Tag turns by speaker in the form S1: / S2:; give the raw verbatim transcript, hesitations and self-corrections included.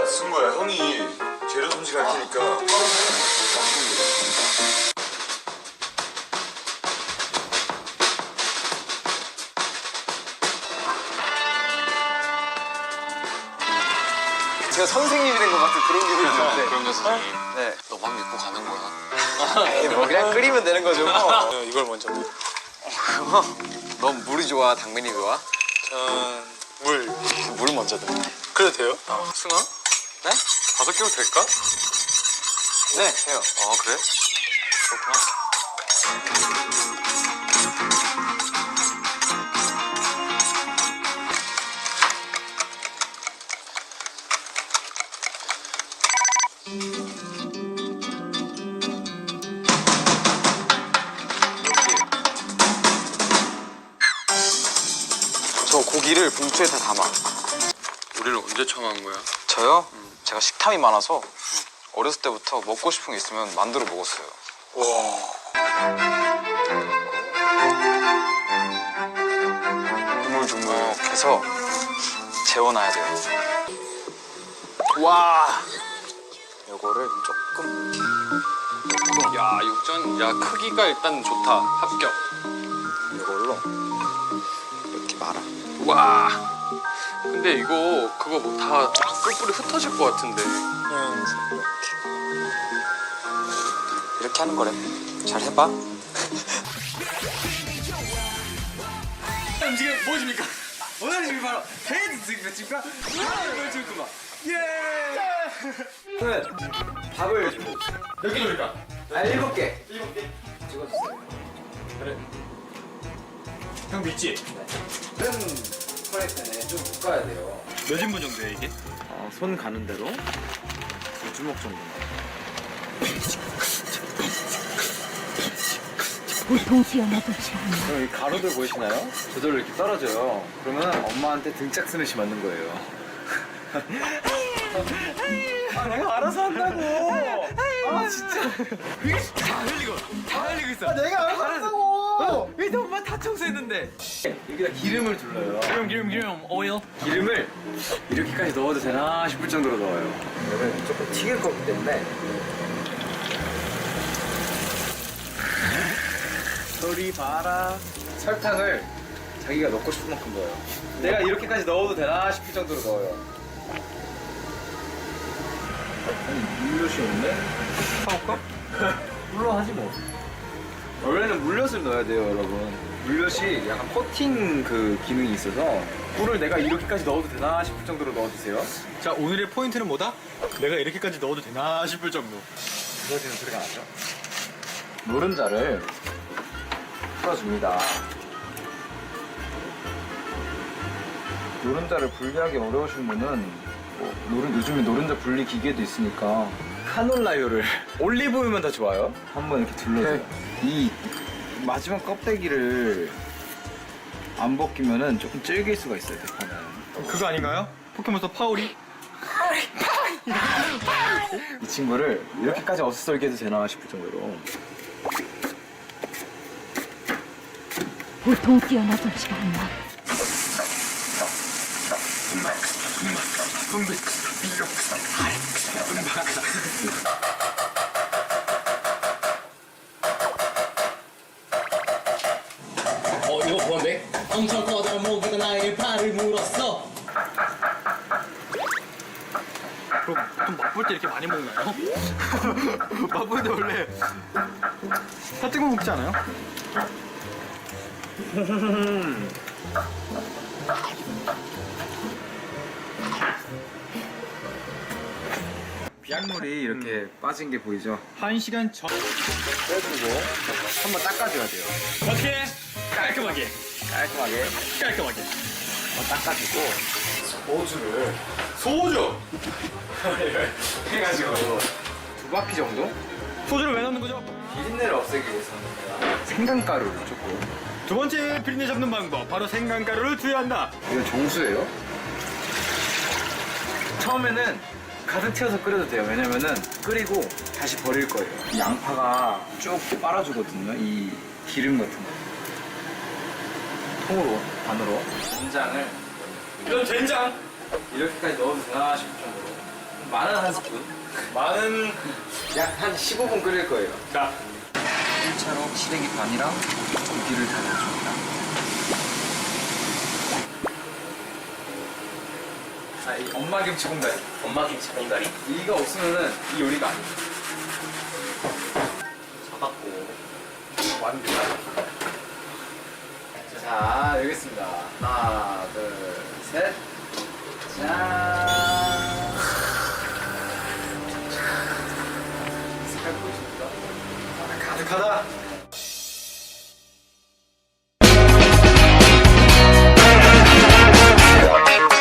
S1: 승구야, 형이 재료 손질할 테니까.
S2: 제가 선생님이 된 것 같은 그런 기분이 드는데.
S3: 그럼요, 선생님.
S2: 네.
S3: 너만 믿고 가는 거야.
S2: 에이, 뭐 그냥 끓이면 되는 거죠 뭐.
S1: 이걸 먼저.
S2: 넌 물이 좋아, 당면이 좋아?
S1: 전 물.
S2: 물 먼저 넣어.
S1: 그래도 돼요? 어. 승아?
S2: 네?
S1: 다섯 개로 될까?
S2: 네, 돼요.
S1: 아, 그래? 그렇구나.
S2: 저 고기를 봉투에 다 담아.
S3: 우리를 언제 처음 거야?
S2: 저요? 음. 제가 식탐이 많아서 어렸을 때부터 먹고 싶은 게 있으면 만들어 먹었어요.
S1: 와.
S2: 주물주물해서 재워놔야 돼요. 와. 요거를 조금.
S3: 야, 육전, 야, 크기가 일단 좋다. 합격.
S2: 이걸로 이렇게 말아.
S3: 와. 근데 이거, 그거 뭐 다 뿔뿔이 흩어질 것 같은데.
S2: 그냥 이렇게. 이렇게 하는 거래. 잘 해봐.
S4: 지금 무엇입니까? 오늘 지금 바로 헤이드 스윙입니까? 이걸 줄구만. 예! 끝. 밥을 주고.
S1: 몇 개입니까?
S4: 아, 일곱 개.
S1: 일곱 개.
S4: 찍어주세요.
S1: 그래. 형 믿지?
S4: 큰 프라이팬에 좀 볶아야 돼요.
S1: 몇 인분 정도야 이게?
S4: 어, 손 가는 대로 두 주먹 정도만.
S5: 보통 튀어나오지 않아.
S4: 그럼 이 가루들 보이시나요? 저절로 이렇게 떨어져요. 그러면 엄마한테 등짝 스매시 맞는 거예요. 아, 내가 알아서 한다고. 아, 진짜. 다 흘리고, 다 흘리고 있어. 아, 내가 알아서 한다고. 왜 엄마 다 청소했는데? 여기다 기름을 둘러요.
S6: 기름 기름 기름 오일.
S4: 기름을 이렇게까지 넣어도 되나 싶을 정도로 넣어요. 이거는 조금 튀길 거기 때문에. 소리 봐라. 설탕을 자기가 넣고 싶은 만큼 넣어요. 내가 이렇게까지 넣어도 되나 싶을 정도로 넣어요. 아니, 물엿이 없네? 사올까? 물론 하지 뭐. 원래는 물엿을 넣어야 돼요, 여러분. 물엿이 약간 코팅 그 기능이 있어서 꿀을 내가 이렇게까지 넣어도 되나 싶을 정도로 넣어주세요.
S1: 자, 오늘의 포인트는 뭐다? 내가 이렇게까지 넣어도 되나 싶을 정도.
S4: 부서지는 소리가 나죠? 노른자를 풀어줍니다. 노른자를 분리하기 어려우신 분은 뭐 노른, 요즘에 노른자 분리 기계도 있으니까 카놀라유를 올리브유면 더 좋아요. 한번 이렇게 둘러줘요. 이 마지막 껍데기를 안 벗기면은 조금 질길 수가 있어요. 대파는.
S1: 그거 아닌가요? 포켓몬스터 파오리?
S4: 이 친구를 이렇게까지 어슷썰게 해도 되나 싶을 정도로.
S5: 보통 뛰어나돌지가 않아.
S6: 어 이거 뭔데? 엄청 커다란 모기가 나의 발을 물었어.
S1: 그럼 보통 맛볼 때 이렇게 많이 먹나요? 맛볼 때 원래 다 뜨거 먹지 않아요?
S4: 비약물이 이렇게 빠진 게 보이죠?
S1: 한 시간 전.
S4: 빼주고 한번 닦아줘야 돼요.
S6: 어떻게? 깔끔하게
S4: 깔끔하게
S6: 깔끔하게.
S4: 한번 닦아주고 소주를
S1: 소주!
S4: 해가지고 두 바퀴 정도?
S1: 소주를 왜 넣는 거죠?
S4: 비린내를 없애기 위해서는 생강가루를 조금.
S1: 두 번째 비린내 잡는 방법, 바로 생강가루를 투여한다.
S4: 이건 정수예요. 처음에는 가득 채워서 끓여도 돼요. 왜냐면은 끓이고 다시 버릴 거예요. 이 양파가 쭉 빨아주거든요. 이 기름 같은 거. 통으로, 반으로. 된장을
S1: 이건 된장.
S4: 이렇게까지 넣어도 되나 싶을 정도로. 마늘 한 스푼. 마늘 약 한 십오 분 끓일 거예요.
S1: 자,
S4: 일 차로 시래기 반이랑 고기를 다 넣어줍니다. 아, 이 엄마 김치 공다리.
S6: 엄마 김치 봉다리
S4: 이가 없으면은 이 요리가 아니에요.
S6: 잡았고
S1: 완전.
S4: 자, 여기 있습니다. 하나, 둘, 셋. 짠. 색깔 보이십니까? 아, 가득하다.